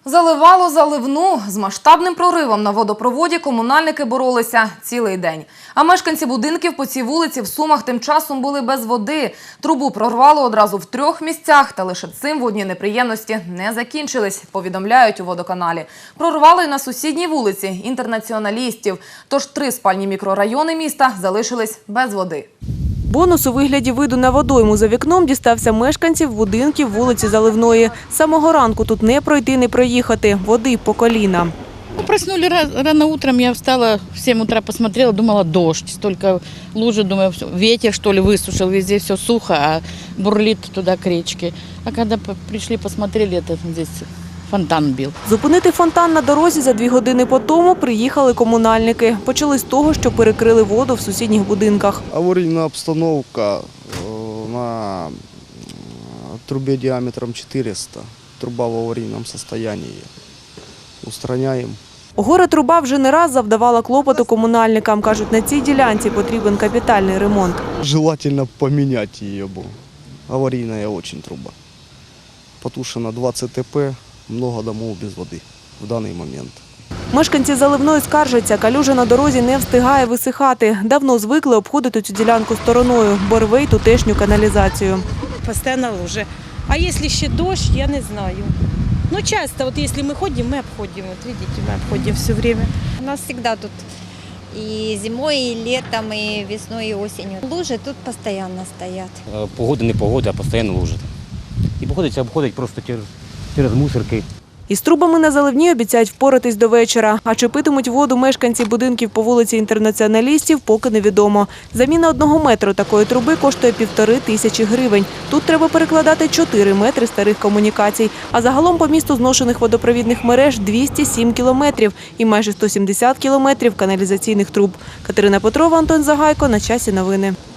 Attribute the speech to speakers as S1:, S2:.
S1: Заливало заливну. З масштабним проривом на водопроводі комунальники боролися цілий день. А мешканці будинків по цій вулиці в Сумах тим часом були без води. Трубу прорвало одразу в 3 місцях, та лише цим водні неприємності не закінчились, повідомляють у водоканалі. Прорвало й на сусідній вулиці Інтернаціоналістів. Тож 3 спальні мікрорайони міста залишились без води.
S2: Бонус у вигляді виду на водойму за вікном дістався мешканців будинків вулиці Заливної. З самого ранку тут не пройти, не проїхати. Води по коліна.
S3: Проснули рано утром, я встала, в 7 утра посмотрела, думала дождь. Столько лужи, думаю, ветер что ли высушил, везде все сухо, а бурлит туда к речке. А когда пришли, посмотрели, это здесь фонтан бил.
S2: Зупинити фонтан на дорозі за 2 години по тому приїхали комунальники. Почали з того, що перекрили воду в сусідніх будинках.
S4: Аварийная обстановка на трубе диаметром 400. Труба в аварийном состоянии. Устраняем.
S2: Горе-труба вже не раз завдавала клопоту комунальникам. Кажуть, на цій ділянці потрібен капітальний ремонт.
S4: Желательно поменять ее. Аварийная очень труба. Потушено 20 ТП, много домов без воды в данный момент.
S2: Мешканці Заливної скаржаться, калюжа на дорозі не встигає висихати. Давно звикли обходити цю ділянку стороною, бо рве й тутешню каналізацію.
S5: Постоянно лужи. А если еще дождь, я не знаю. Но часто, вот если мы ходим, мы обходим. Вот видите, мы обходим все время.
S6: У нас всегда тут и зимой, и летом, и весной, и осенью. Лужи тут постоянно стоят.
S7: Погода не погода, а постійно лужить. І приходиться обходити просто через мусорки.
S2: Із трубами на Заливній обіцяють впоратись до вечора. А чи питимуть воду мешканці будинків по вулиці Інтернаціоналістів, поки невідомо. Заміна 1 метру такої труби коштує 1500 гривень. Тут треба перекладати 4 метри старих комунікацій. А загалом по місту зношених водопровідних мереж 207 кілометрів і майже 170 кілометрів каналізаційних труб. Катерина Петрова, Антон Загайко. На часі новини.